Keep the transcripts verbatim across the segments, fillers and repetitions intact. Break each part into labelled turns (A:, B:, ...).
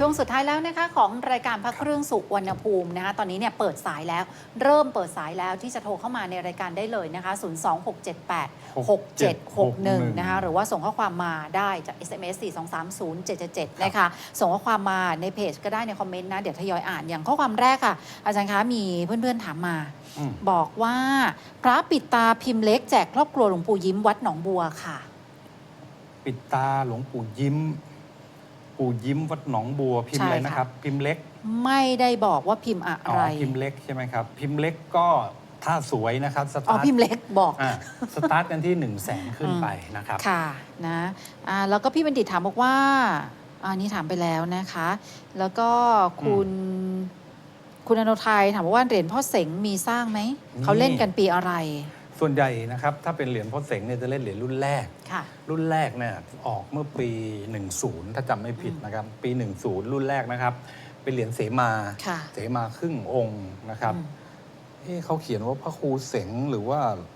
A: ช่วงสุดท้ายแล้วนะคะของรายการพระเครื่องสุวรรณภูมินะคะตอนนี้เนี่ยเปิดสายแล้วเริ่มเปิดสายแล้วที่จะโทรเข้ามาในรายการได้เลยนะคะศูนย์ สอง หก เจ็ด แปด หก เจ็ด หก หนึ่งนะคะหรือว่าส่งข้อความมาได้จาก เอส เอ็ม เอส สี่ สอง สาม ศูนย์ เจ็ด เจ็ด เจ็ดนะคะส่งข้อความมาในเพจก็ได้ในคอมเมนต์นะเดี๋ยวทยอยอ่านอย่างข้อความแรกค่ะอาจารย์คะมีเพื่อนๆถามมาบอกว่าพระปิดตาพิมพ์เล็กแจกครอบครัวหลวงปู่ยิ้มวัดหนองบัวค่ะ
B: ปิดตาหลวงปู่ยิ้มปู่ยิ้มวัดหนองบัวพิมพ์อะไรนะครับพิมพ์เล็ก
A: ไม่ได้บอกว่าพิมพ์อะไร
B: พิมพ์เล็กใช่ไหมครับพิมพ์เล็กก็ถ้าสวยนะครับสตาร์ทอ๋
A: อพิมพ์เล็กบอก
B: อ่าสตาร์ทกันที่หนึ่งแสนขึ้นไปนะครับ
A: ค่ะนะอ่าแล้วก็พี่บัณฑิตถามบอกว่าอันนี้ถามไปแล้วนะคะแล้วก็คุณคุณอนุทัยถามว่าเหรียญพ่อเสงมีสร้างไหมเขาเล่นกันปีอะไร
B: ส่วนใหญ่นะครับถ้าเป็นเหรียญพ่อเสงเนี่ยจะเล่นเหรียญรุ่นแรกรุ่นแรกเนี่ยออกเมื่อปีหนึ่งสิบถ้าจำไม่ผิดนะครับปีหนึ่งสิบรุ่นแรกนะครับเป็นเหรียญเสมาเสมาครึ่งองค์นะครับเฮ้เขาเขียนว่าพระครูเสงหรือว่า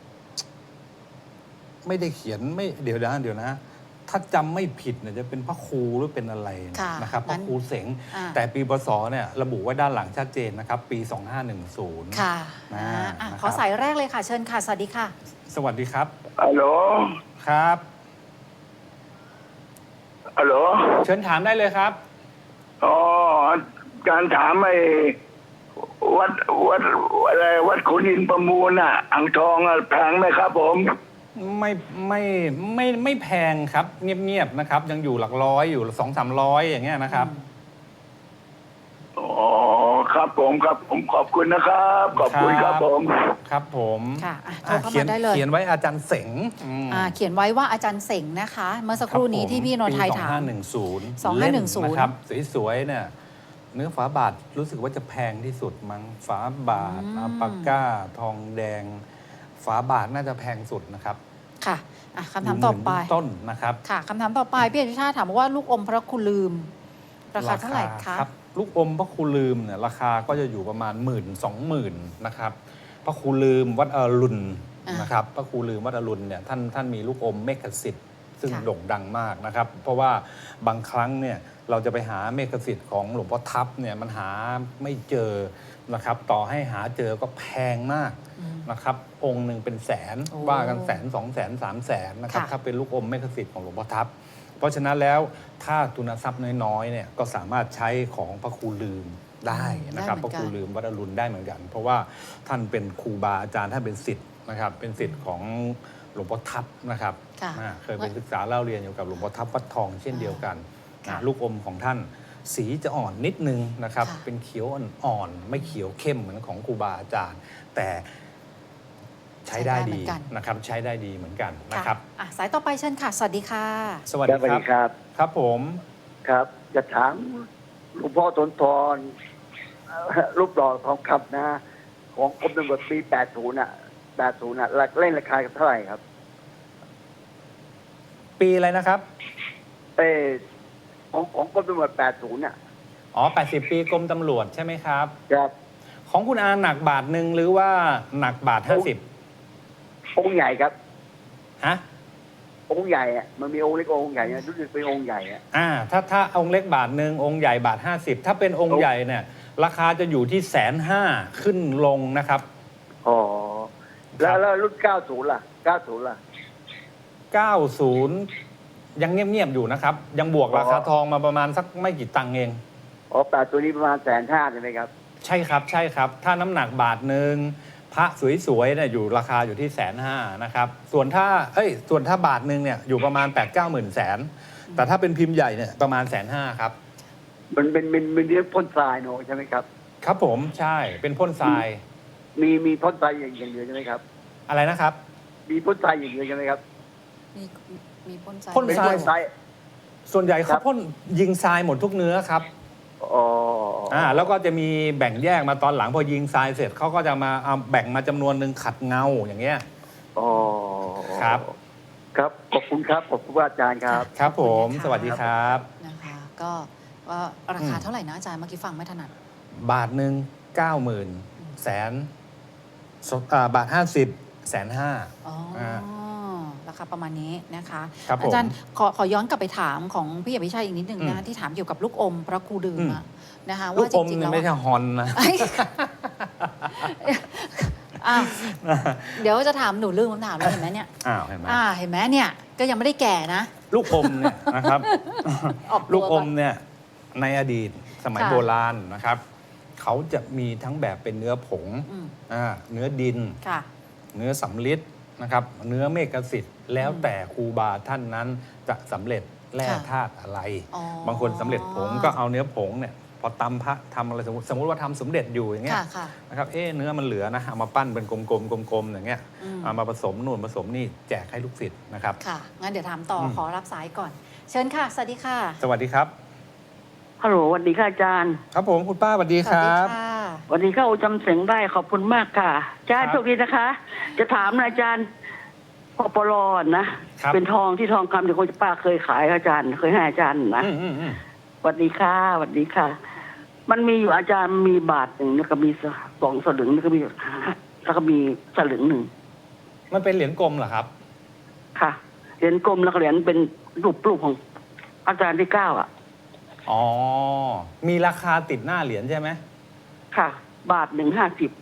B: ไม่ได้เขียนไม่เดี๋ยวนะเดี๋ยวนะถ้าจำไม่ผิดเนี่ยจะเป็นพระครูหรือเป็นอะไรนะครับพระครูเสงแต่ปีพศเนี่ยระบุไว้ด้านหลังชัดเจนนะครับปีสองห้าหนึ่งศูนย์
A: ค่ะขอสายแรกเลยค่ะเชิญค่ะสวัสดีค่ะ
B: สวัสดีครับ
C: ฮัลโหล
B: ครับ
C: ฮัลโหล
B: เชิญถามได้เลยครับ
C: อ๋อการถามไอ้วัดวัดอะไรวัดขุนอินทร์ประมูลอ่ะอ่างทองอ่ะแพงไหมครับผม
B: ไม่ไม่ไม่ไม่แพงครับเงียบๆนะครับยังอยู่หลักร้อยอยู่สองสามร้อยอย่างเงี้ยนะครับ
C: อ๋อครับผมครับผมขอบคุณนะครับขอบคุณครับผม
B: ครับผม
A: ค่ะโทรเข้ามาได้เลย
B: เขียนไว้อาจารย์เสง
A: อ่าเขียนไว้ว่าอาจารย์เสงนะคะเมื่อสักครู่นี้ที่พี่นนท์ไทยถาม
B: สองห้าหนึ่งศูนย์
A: สองห้าหนึ่งศูนย์
B: นะครับสวยๆเนี่ยเนื้อฝาบาทรู้สึกว่าจะแพงที่สุดมั้งฝาบาทอัลปาก้าทองแดงฝาบาทน่าจะแพงสุดนะครับ
A: ค่ะคำถามต่อไป
B: ต้นนะครับ
A: ค่ะคำถามต่อไปพี่อนุชาติถามว่าลูกอมพระครูลืมราคาเท่าไหร่คะ
B: ครับลูกอมพระครูลืมเนี่ยราคาก็จะอยู่ประมาณหมื่นสองหมื่นนะครับพระครูลืมวัดอรุณนะครับพระครูลืมวัดอรุณเนี่ยท่านท่านมีลูกอมเมฆสิทธิ์ซึ่งโด่งดังมากนะครับเพราะว่าบางครั้งเนี่ยเราจะไปหาเมฆสิทธิ์ของหลวงพ่อทับเนี่ยมันหาไม่เจอนะครับต่อให้หาเจอก็แพงมากนะครับองค์หนึ่งเป็นแสนว่ากันแสนสองแสนสามแสนนะครับถ้าเป็นลูกอมเมฆสิทธิ์ของหลวงพ่อทับเพราะฉะนั้นแล้วถ้าทุนทรัพย์น้อยๆเนี่ยก็สามารถใช้ของพระครูลืมได้นะครับพระครูลืมวัดอรุณได้เหมือนกันเพราะว่าท่านเป็นครูบาอาจารย์ท่านเป็นศิษย์นะครับเป็นศิษย์ของหลวงพ่อทับนะครับเคยไปศึกษาเล่าเรียนอยู่กับหลวงพ่อทับวัดทองเช่นเดียวกันลูกอมของท่านสีจะอ่อนนิดนึงนะครับเป็นเขียวอ่อนๆไม่เขียวเข้มเหมือนของครูบาอาจารย์แต่ใช้ได้ดีนะครับใช้ได้ดีเหมือนกันนะครับ
A: สายต่อไปเชิญค่ะสวัสดีค่ะ
B: สวัสดีครับครับผม
C: ครับจะถามหลวงพ่อสนทรรูปหล่อทองคำนะของกรมตำรวจปีแปดสิบน่ะแปดสิบน่ะเล่นราคาเท่าไหร่ครับ
B: ปีอะไรนะครับ
C: เออของของกรมตำรวจแปดสิบน่ะ
B: อ๋อแปดสิบปีกรมตำรวจใช่ไหมครับ
C: ครับ
B: ของคุณอาหนักบาทหนึ่งหรือว่าหนักบาทห้าสิบ
C: องค์ใหญ่ครับ
B: ฮะ
C: องค์ใหญ่อะมันมีองค์เล็กองค์ใหญ่รู้สึกเป็นองค์ใหญ่อะ
B: อ่าถ้าถ้าองค์เล็กบาทหนึ่งองค์ใหญ่บาทห้าสิบถ้าเป็นองค์ใหญ่เนี่ยราคาจะอยู่ที่แสนห้าขึ้นลงนะครับ
C: อ๋อแล้วแล้วรุ่นเก้าสิบล่ะเก้าสิบล่ะ
B: เก้าสิบยังเงียบๆอยู่นะครับยังบวกราคาทองมาประมาณสักไม่กี่ตังค์เอง
C: อ๋อแปดตัวนี้ประมาณแสนห้าใช่ไหมครับ
B: ใช่ครับใช่ครับถ้าน้ำหนักบาทหนึ่งพระสวยๆเนี่ยอยู่ราคาอยู่ที่แสนห้านะครับส่วนถ้าเอ้ยส่วนถ้าบาทหนึ่งเนี่ยอยู่ประมาณแปดเก้าหมื่นแสนแต่ถ้าเป็นพิมพ์ใหญ่เนี่ยประมาณแสนห้าครับ
C: มันเป็นเป็นเป็นเรื่องพ่นทรายเนอะใช่ไหมครับ
B: ครับผมใช่เป็นพ่นทราย
C: มีมีพ่นทรายอย่างเดียวใช่ไหมครับ
B: อะไรนะครับ
C: มีพ่นทรายอย่างเดียวใช่ไหมครับ
A: มีมีพ่นทราย
B: พ่นทรายส่วนใหญ่เขาพ่นยิงทรายหมดทุกเนื้อครับ
C: อ๋อ
B: อ่าแล้วก็จะมีแบ่งแยกมาตอนหลังพอยิงทรายเสร็จเขาก็จะมาเอาแบ่งมาจำนวนหนึ่งขัดเงาอย่างเงี้ย
C: อ๋อ
B: ครับ
C: ครับขอบคุณครับขอบคุณอาจารย์ครับ
B: ครับผมสวัสดีครับ
A: นะคะก็ว่าราคาเท่าไหร่นะอาจารย์เมื่อกี้ฟังไม่ถนัด
B: บาทหนึ่งเก้าหมื่นแสนบาทห้าสิบแสนห้า
A: อ๋อราละค่ะประมาณนี้นะคะ
B: ครับผม
A: อาจารย์ขอขอย้อนกลับไปถามของพี่อภิชัยอีกนิดนึง
B: อื
A: นะ
B: ม
A: ที่ถามเกี่ยวกับลูกอมพระครูดื่ม
B: อืม
A: อะนะคะ
B: ลู
A: ว่าก จ
B: อม
A: ริงๆ
B: เนี่
A: แล้
B: ยว ไม่ใช่ฮอนนะ
A: อ้าวเดี๋ยวจะถามหนูลืมคำถามแล้วเห็นไหมเนี่ย
B: อ้าวเห็นไหม
A: อ่าเห็นไหมเนี่ยก็ยังไม่ได้แก่นะ
B: ลูกอมเนี่ยนะครับ
A: ออกตัว
B: ลูกอ
A: ก่อ
B: ม
A: น
B: เนี่ยในอดีตสมัย
A: ค่ะ
B: โบราณนะครับ เขาจะมีทั้งแบบเป็นเนื้อผง
A: อืม
B: อ่าเนื้อดิน
A: ค่ะ
B: เนื้อสำลิดนะครับ เนื้อเมฆสิทธิ์แล้ว
A: อืม
B: แต่ครูบาท่านนั้นจะสำเร็จแร่
A: ค่ะ
B: ธาตุอะไร
A: อ๋อบ
B: างคนสำเร็จผงก็เอาเนื้อผงเนี่ยพอตำพระทำอะไรสมมติสมมติว่าทำสมเด็จอยู่อย่างเงี้ย
A: ค่ะค่ะ
B: นะครับเอ๊ะเนื้อมันเหลือนะเอามาปั้นเป็นกลมๆกลมๆอย่างเงี้ย
A: อืม
B: เอามาผสมนู่นผสมนี่แจกให้ลูกศิษย์นะครับ
A: ค่ะงั้นเดี๋ยวถามต่ออ
B: ม
A: ขอรับสายก่อน เชิญค่ะ สวัสดีค่ะ
B: สวัสดีครับ
D: ฮัลโหลสวัสดีค่ะอาจารย์
B: ครับผมคุณป้าสวัสดี
A: ส
B: ค
A: วัส
B: รั
A: ดี
B: บ
A: ค่ะ
D: สวัสดีค่ะโอจำเสียงได้ขอบคุณมากค่ะอาจารย์
B: ครับ
D: โชคดีนะคะ จะถามนะอาจารย์ปปลนะครับ เป็นทองที่ทองคำที่คนป้าเคยขายอาจารย์ เคยให้อาจารย์นะ
B: อืมอืมอืม
D: สวัสดีค่ะสวัสดีค่ะ มันมีอยู่อาจารย์มีบาทหนึ่งแล้วก็มีสองสลึงแล้วก็มีแล้วก็มีสลึงหนึ่ง
B: มันเป็นเหรียญกลมเหรอครับ
D: ค่ะเหรียญกลมแล้วก็เหรียญเป็นรูปรูปของอาจารย์ที่เก้าอ่ะ
B: อ๋อ มีราคาติดหน้าเหรียญใช่ไหม
D: ค่ะ บาทหนึ่งห้าสิบบ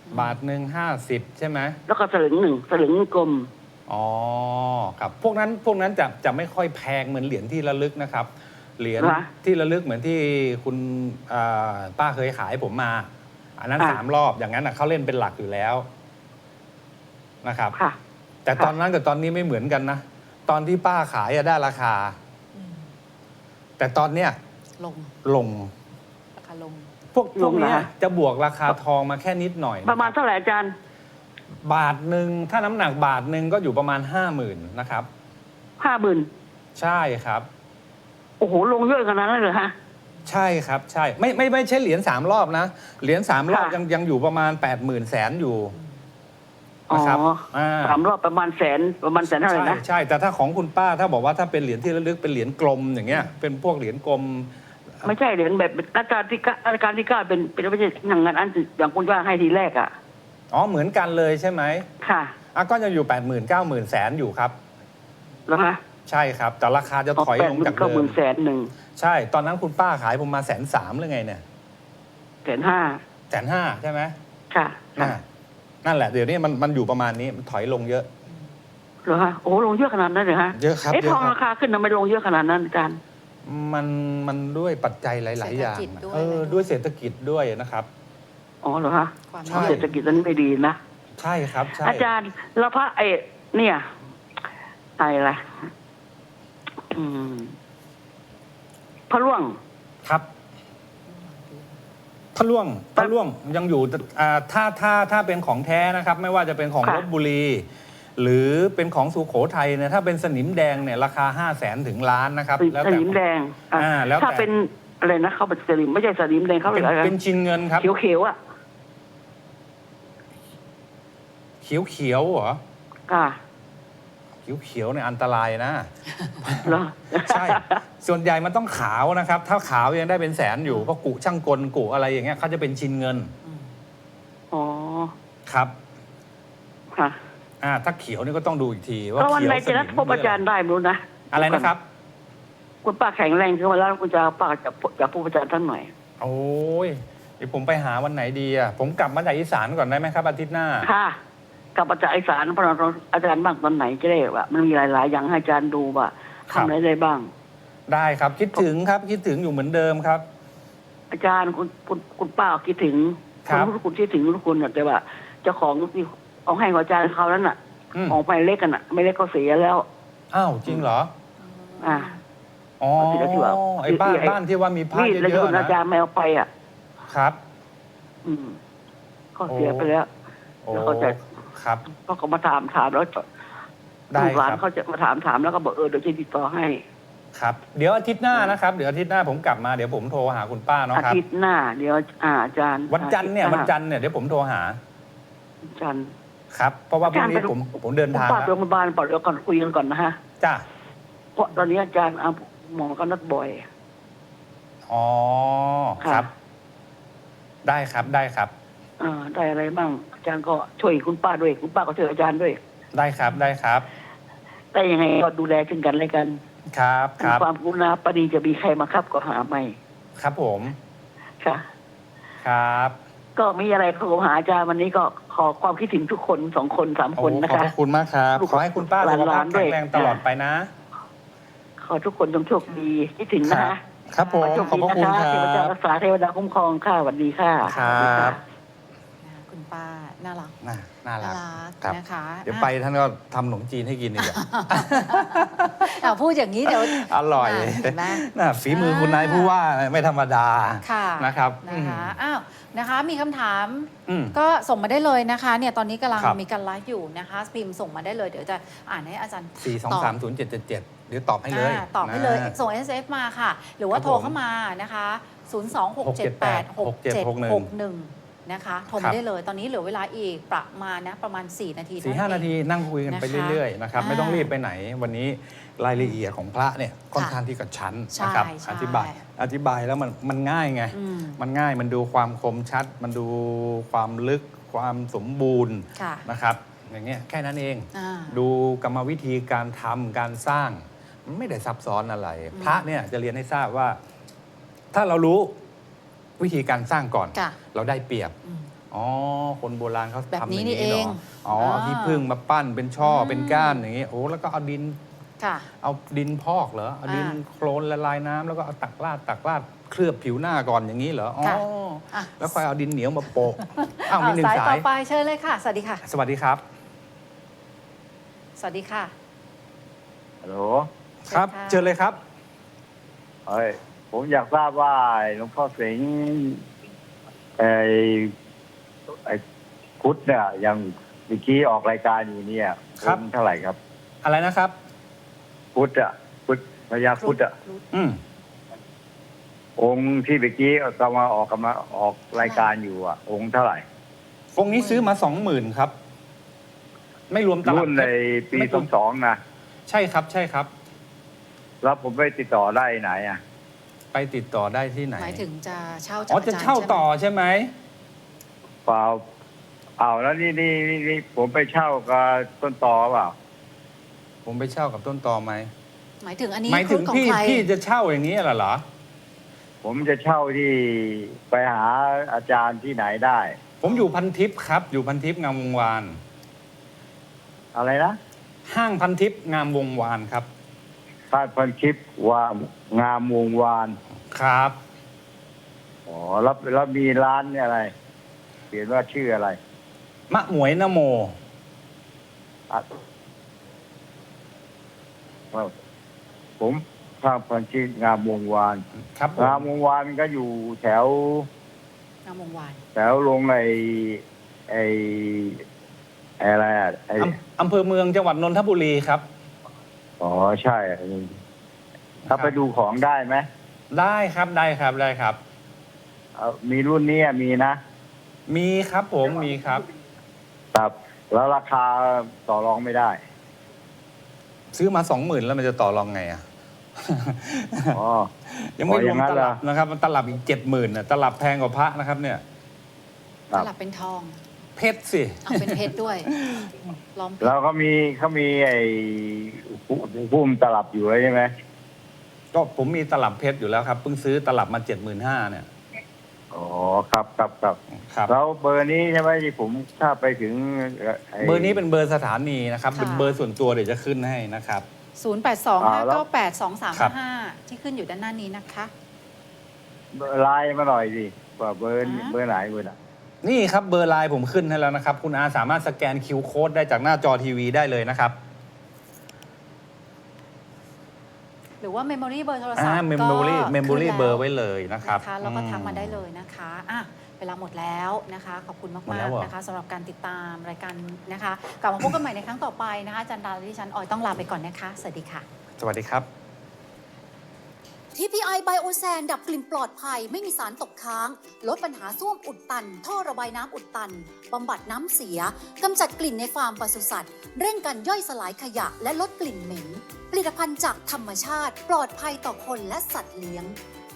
B: าทหนึ่งห้าสิบใช่ไหม
D: แล้วก็สลึงหนึ่งสลึงกลม
B: อ๋อครับพวกนั้นพวกนั้นจะจะไม่ค่อยแพงเหมือนเหรียญที่ระลึกนะครับ เหรียญ
D: เหรอ
B: ที่ระลึกเหมือนที่คุณอ่าป้าเคยขายผมมา อันนั้น
D: อ่ะ
B: สามรอบอย่างนั้นนะเขาเล่นเป็นหลักอยู่แล้วนะครับ
D: ค่ะ
B: แต่ตอนนั้นกับตอนนี้ไม่เหมือนกันนะ ตอนที่ป้าขายอะได้ราคา แต่ตอนเนี้ย
A: ลง
B: ลง
A: ราคาลง
B: พวกพวกเนี้ย
D: ลงเหรอฮะ
B: จะบวกราคาทองมาแค่นิดหน่อยนค
D: ป
B: บ
D: ระมาณเท่าไหร่อาจารย์
B: บาทหนึ่งถ้าน้ำหนักบาทหนึ่งก็อยู่ประมาณห้าหมื่นนะครับ
D: ห้าหมื่น
B: ใช่ครับ
D: โอ้โห ลงเยอะขนาดนั้นเลยฮะ
B: ใช่ครับใช่ไม่ไม่ไม่ใช่เหรียญสามรอบนะ เหรียญสามรอบ
D: ค่ะ
B: ยังยังอยู่ประมาณแปดหมื่นแสนอยู่
D: อ๋อ
B: นะครับอ่า
D: สามรอบประมาณแสนประมาณแสนเท่าไหร่
B: ใช่
D: นะ
B: ใช่แต่ถ้าของคุณป้าถ้าบอกว่าถ้าเป็นเหรียญที่ระลึกเป็นเหรียญกลมอย่างเงี้ยเป็นพวกเหรียญกลม
D: ไม่ใช่เหรียญแบบอาจารย์ที่เก้าอาจารย์ที่เก้าเป็นเป็นไม่ใช่อย่างนั้นอันอย่างคุณว่าให้ทีแรกอ่ะ
B: อ๋อเหมือนกันเลยใช่ไหม
D: ค่ะ
B: อ่ะก็ยังอยู่แปดหมื่นเก้าหมื่นแสนอยู่ครับ
D: แล้วฮะ
B: ใช่ครับ แต่ราคาจะถอย
D: แป
B: ล
D: ด
B: ง
D: หมื่
B: จาน ก
D: เก้า
B: เดิ
D: หมื่
B: ม
D: นแสนหนึ่ง
B: ใช่ ตอนนั้นคุณป้าขายผมมาแสนสามหรือไงเนี่ย
D: แสนห้า
B: แสนห้าใช่ไหม
D: ค่ะ
B: น่ะนั่นแหละเดี๋ยวนี้มันมันอยู่ประมาณนี้มันถอยลงเยอะ
D: เหรอฮะโอ้โหลงเยอะขนาดนั้นเลยฮะ
B: เยอะครับ
D: เอ๊ะ
B: เยอะ
D: ทอง
B: ครับ
D: ราคาขึ้นทำไมลงเยอะขนาดนั้นอาจารย์
B: มันมันด้วยปัจจัยหลาย ๆ อย่าง
A: เศรษฐกิจด้วย
B: เออด้วยเศรษฐกิจด้วยนะครับ
D: อ๋อเหรอฮะ
A: ความ
B: ใช่
D: เศรษฐกิจตอนนี้ไม่ดีนะ
B: ใช่ครับใช่
D: อาจารย์แล้วพระไอ้เนี่ยอะไรล่ะอืมพระร่วง
B: ครับพระล่วงพระล่วงยังอยู่อ่าถ้าถ้าถ้าเป็นของแท้นะครับ ไม่ว่าจะเป็นของ
D: ค่ะ
B: ลบบุรี หรือเป็นของสุโขทัยเนี่ยถ้าเป็นสนิมแดงเนี่ยราคาห้าแสนถึงล้านนะครับ
D: ส
B: แล้ว
D: ส
B: แต่
D: นิมแดงอ่ะ
B: อ่าแล้วแต่
D: ถ้าเป็นอะไรนะเขาเป็นสนิมไม่ใช่สนิมแดงเขา
B: เป็
D: เรีย
B: น
D: กอะไร
B: เป็นชิ้นเงินครับ
D: เขียวเขียวๆอ่ะ
B: เขียวเขียวๆเหรอ
D: อ่า
B: เขียวเขียวๆเนี่ยอันตรายนะ
D: เหรอ
B: ใช่ ส่วนใหญ่มันต้องขาวนะครับ ถ้าขาวยังได้เป็นแสนอยู่เพราะกุช่างกลกุอะไรอย่างเงี้ยเขาจะเป็นชิ้นเงิน
D: อ๋อ
B: ครับ
D: ค่ะ
B: อ่าถ้าเขียวนี่ก็ต้องดูอีกทีว่า
D: แล้ววัน
B: เขียว
D: ไหน
B: ส
D: จะนั
B: นิ
D: ด
B: ม
D: พบอาจารย์ได้ไม่รู้นะ
B: อะไรนะครับ
D: คุณป้าแข็งแรงขึ้นมาแล้วคุณจะป้าจะจะพบอาจารย์ท่านหน่อย
B: โอ้ยเดี๋ยวผมไปหาวันไหนดีอ่ะผมกลับมาจากอีสานก่อนได้ไหมครับอาทิตย์หน้า
D: ค่ะกลับมาจากไอสารพระเราอาจารย์บ้างตอนไหนจะได้ว่ามันมีหลาย ๆ อย่างให้อาจารย์ดูว่า
B: ครับ
D: ทำอะไรได้บ้าง
B: ได้ครับคิดถึงครับคิดถึงอยู่เหมือนเดิมครับ
D: อาจารย์คุณคุณคุณป้าคิดถึง
B: ครับ
D: ณคุณคิดถึงทุกคนน่ะแต่ว่าเจ้าของที่เอาให้ของอาจารย์เขานั้นน่ะ
B: อืม
D: ออกไปเล็กกันน่ะ ไม่เล็กก็เสียแล้ว
B: อ้าวจริงเหรอ
D: อ่า
B: อ๋อ
D: เอาสิแล้วที่ว่า
B: ไอ้บ้าน
D: ที่ไอ้
B: บ้านที่ว่ามีผ้า
D: นี่
B: เย
D: แล้วที่
B: อะ
D: คุณ
B: ๆ
D: อา
B: นะ
D: จารย์ไม่เอาไปอ่ะ
B: ครับ
D: อืมก็เสียไปแล้ว
B: โอ้
D: แล้วเขาจะ
B: ครับ
D: เขาก็มาถามถามแล้ว
B: ได้
D: ลูกหลาน
B: ครับ
D: เขาจะมาถามถามแล้วก็บอกเออเดี๋ยวจะติดต่อให้
B: ครับ เดี๋ยวอาทิตย์หน้านะครับเดี๋ยวอาทิตย์หน้าผมกลับมาเดี๋ยวผมโทรหาคุณป้าเนาะ
D: อา
B: ครับ
D: ทิตย์หน้า เดี๋ยวอ่าอาจารย์
B: วันจันทร์เนี่ย
D: อาทิ
B: วัน
D: ตย์หา
B: จันทร์เนี่ยเดี๋ยวผมโทรหา
D: วันจันทร์
B: ครับ เพราะว่าพรุ่งนี้
D: อาจารย์ไป
B: ผมผมเดินทาง
D: คุณป้า
B: แล้ว
D: โรงพยาบาลปอดเดี๋ยวก่อนคุยกันก่อนนะฮะ
B: จ้า
D: เพราะตอนนี้อาจารย์เอาหมอก็นัดบ่อย
B: อ๋อครับ ได้ครับได้ครับ
D: อ่าได้อะไรบ้างอาจารย์ก็ช่วยคุณป้าด้วย คุณป้าก็ช่วยอาจารย์ด้วย
B: ได้ครับได้ครับ
D: แต่ยังไงก็ดูแลซึ่งกันและกัน
B: ครับครับ
D: ความกรุณาปณีจะมีใครมาครับก็หาไม่
B: ครับผม
D: ค่ะ
B: ครับ
D: ก็มีอะไรขอหาอาจารย์วันนี้ก็ขอความคิดถึงทุกคนสองคนสาม
B: โอ้
D: คนนะ
B: ขอบ
D: คะ
B: พระคุณมากครับ
D: ลูก
B: ขอให้คุณป้า
D: หลา
B: สุ
D: น
B: ขภาพ
D: ๆด้
B: แข็
D: วย
B: งแรงตลอดไปนะ
D: ขอทุกคนจงโชคดีคิดถึงนะคะ
B: ครับผม
D: โชค
B: ขอบ
D: ดี
B: พระ
D: นะ
B: คุณ
D: คะ
B: ค
D: เทวดา
B: รับ
D: รักษาเทวดาคุ้มครองค่ะสวัสดีค่ะ
B: ครับ
D: สวัสดีค่ะ
A: นะคะคุณป้าน่ารัก
B: น่าน่ารั
A: น่าก รัก
B: ครับ
A: นะคะ
B: เดี๋ยวไปท่านก็ทำขนมจีนให้กินอีกอะ
A: อ่ะพูดอย่างนี้เดี๋ยว
B: อร่อย
A: เห็นไหม
B: น่ะฝีมือคุณนายผู้ว่าไม่ธรรมดา
A: ค่ะ
B: นะครับ
A: นะคะอ้าวนะคะมีคำถาม
B: อืม
A: ก็ส่งมาได้เลยนะคะเนี่ยตอนนี้กำลัง
B: ครับ
A: มีการไลฟ์อยู่นะคะพิมพ์ส่งมาได้เลยเดี๋ยวจะอ่านให้อาจารย์
B: สี่สองสามศูนย์เจ็ดเจ็ดเจ็ดเดี๋ยวตอบให้เลย
A: อ่าตอบให้เลย
B: นะ
A: ส่ง เอส เอฟ มาค่ะ หรือว่า
B: ครับ
A: โทรเข้ามานะคะศูนย์ สอง หก เจ็ด แปด หก เจ็ด หก หนึ่ง นะคะโทร
B: ครั
A: มา
B: บ
A: ได้เลย ตอนนี้เหลือเวลาอีกประมาณนะประมาณ 4 นาที
B: สี่ห้า
A: เท่
B: นาทีนั่งคุยกันไป
A: นะคะ
B: เรื่อยๆนะครับ
A: อ่า
B: ไม่ต้องรีบไปไหน วันนี้รายละเอียดของพระเนี่ยค่อนข้างที่กระชั้น
A: ใช่
B: นะครับ
A: ใช่
B: อธิบายอธิบายแล้วมันมันง่ายไง
A: อืม
B: มันง่ายมันดูความคมชัด มันดูความลึกความสมบูรณ์
A: ค่ะ
B: นะครับ อย่างเงี้ยแค่นั้นเอง
A: อ่า
B: ดูกรรมวิธีการทำการสร้าง มันไม่ได้ซับซ้อนอะไร พระเนี่ยจะเรียนให้ทราบว่า ถ้าเรารู้วิธีการสร้างก่อน
A: ค่ะ
B: เราได้เปรียบ
A: อืม
B: อ๋อ คนโบราณเขา
A: แบบ
B: ทำอ
A: นี้
B: ย่าง
A: นี่
B: นี้
A: เอ
B: เหรง ออ๋อเอาที่พึ่งมาปั้นเป็นช่ออ
A: ม
B: เป็นก้านอย่างนี้โอ้แล้วก็เอาดิน
A: ค่ะ
B: เอาดินพอกเหรอเอาดิน
A: อ่า
B: โคลนละลายน้ำแล้วก็เอาตักราดตักราดเคลือบผิวหน้าก่อนอย่างนี้เหรออ๋อ
A: ค่ะอ่ะ
B: แล้วค่อยเอาดินเหนียวมาโปะอ้าวมี
A: อ่ะ
B: หนึ่ง
A: สาย
B: สา
A: ต่อย ไปเชิญเลยค่ะ สวัสดีค่ะ
B: สวัสดีครับ
A: สวัสดีค่ะ
C: ฮัลโหล
B: ครับ
A: เชิญค่ะ
B: เชิญเลยครับ
C: เฮ้ยผมอยากทราบว่าหลวงพ่อเสงไอ้ไอ้พุทธเนี่ยยังเมื่อกี้ออกรายการอยู่เนี่ย
B: ครับ
C: องค์เท่าไหร่ครับ
B: อะไรนะครับ
C: พุทธอะพุทธพญาพุทธอะ
B: อืม
C: องค์ที่เมื่อกี้กำลังออกกำลังออกรายการอยู่อ่ะ องค์เท่าไหร่
B: องค์นี้ซื้อมาสองหมื่นครับ ไม่รวมตลับ
C: รุ่นในปี
B: ไม่
C: ส
B: ร
C: อ
B: ว
C: ง
B: ม
C: สองนะ
B: ใช่ครับ ใช่ครับ
C: แล้วผมไปติดต่อได้ไหนอ่ะ
B: ไปติดต่อได้ที่ไหน
A: หมายถึงจะเช่าจาก
B: อ๋อ
A: อา
B: จะ
A: จารย์
B: เช่า
A: ใช่ไหม
B: ต่อใช่ไหม
C: เปล่าเอาแล้วนี่นี่นี่นี่ผมไปเช่ากับต้นตอเปล่า
B: ผมไปเช่ากับต้นตอไหม
A: หมายถึงอันนี้
B: หมายถึง
A: ของ
B: พี่
A: ใคร
B: พี่จะเช่าอย่างนี้เหรอเหรอ
C: ผมจะเช่าที่ไปหาอาจารย์ที่ไหนได้
B: ผมอยู่พันทิพย์ครับ อยู่พันทิพย์งามวงวาน
C: อะไรนะ
B: ห้างพันทิพย์งามวงวานครับ
C: ท่านพันคลิปว่างามวงวาน
B: ครับ
C: อ๋อแล้วแล้วมีร้านเนี่ยอะไร เขียนว่าชื่ออะไร
B: มะหมวยนโม
C: อ่ะผมท่านพันคลิปงามวงวาน
B: ครับผม
C: งามวงวานก็อยู่แถว
A: งามวงวาน
C: แถวลงไอ้ไอ้ไอ้อะไรอ่ะไอ้
B: อำอำเภอเมืองจังหวัดนนทบุรีครับ
C: อ๋อใช่ถ้าไปดูของได้ไหม
B: ได้ครับได้ครับได้ครับ
C: เอามีรุ่นนี้อ่ะมีนะ
B: มีครับผมมีครับ
C: ครับแล้วราคาต่อรองไม่ได้
B: ซื้อมาสองหมื่นแล้วมันจะต่อรองไงอ่ะ
C: อ๋อ
B: ยังไม่
C: อ๋อ
B: ร
C: อ
B: วม
C: ย่างนั้น
B: ต
C: เหรอ
B: ลับนะครับ มันตลับอีกเจ็ดหมื่นนะตลับแพงกว่าพระนะครับเนี่ย
C: ครั
A: ต
C: บ
A: ลับเป็นทอง
B: เพชรสิ
A: เอาเป็นเพชรด้วยล้อมเพช
C: แล้ว
A: ร
C: ก็มีเขามีไอ้ผู้พุ่มตลับอยู่แล้วใช่ไหม
B: ก็ผมมีตลับเพชรอยู่แล้วครับเพิ่งซื้อตลับมาเจ็ดหมื่นห้าเนี่ย
C: อ๋อครับครับครับ
B: ครับ
C: แล้วเบอร์นี้ใช่ไหมที่ผมถ้าไปถึงไ
B: เบอร์นี้เป็นเบอร์สถานีนะครับเป็นเบอร์ส่วนตัวเดี๋ยวจะขึ้นให้นะครับ
A: ศูนย์ แปด สอง ห้า เก้า แปด สอง สาม ห้า ที่ขึ้นอยู่ด้านหน้านี้นะคะ
C: เบอร์ไลน์มาหน่อยสิว่าเบอร์
A: อ่า
C: เบอร์ไหนเบอร์ไหน
B: นี่ครับเบอร์ไลน์ผมขึ้นให้แล้วนะครับ คุณอาสามารถสแกน คิว โค้ดได้จากหน้าจอทีวีได้เลยนะครับ
A: หรือว่า Memory เบอร์โทรศัพท์
B: อ่า
A: ก็
B: memory
A: ขึ้น
B: memory
A: แล้ว
B: เบอร์ไว้เลยนะครับ
A: นะคะแล้วก็
B: อื
A: ทักมาได้เลยนะคะอ่ะเวลาหมดแล้วนะคะ ขอบคุณ
B: หมด
A: มา
B: แล้
A: ก
B: วเหรอ
A: ๆนะคะสำหรับการติดตามรายการนะคะ กลับมาพบกันใหม่ในครั้งต่อไปนะคะอาจันดาและดิฉันออยต้องลาไปก่อนนะคะ สวัสดีค่ะ
B: สวัสดีครับ
E: ที พี ไอ Biosan ดับกลิ่นปลอดภัยไม่มีสารตกค้าง ลดปัญหาส้วมอุดตัน ท่อระบายน้ำอุดตัน บำบัดน้ำเสีย กำจัดกลิ่นในฟาร์มปศุสัตว์ เร่งการย่อยสลายขยะและลดกลิ่นเหม็น ผลิตภัณฑ์จากธรรมชาติ ปลอดภัยต่อคนและสัตว์เลี้ยง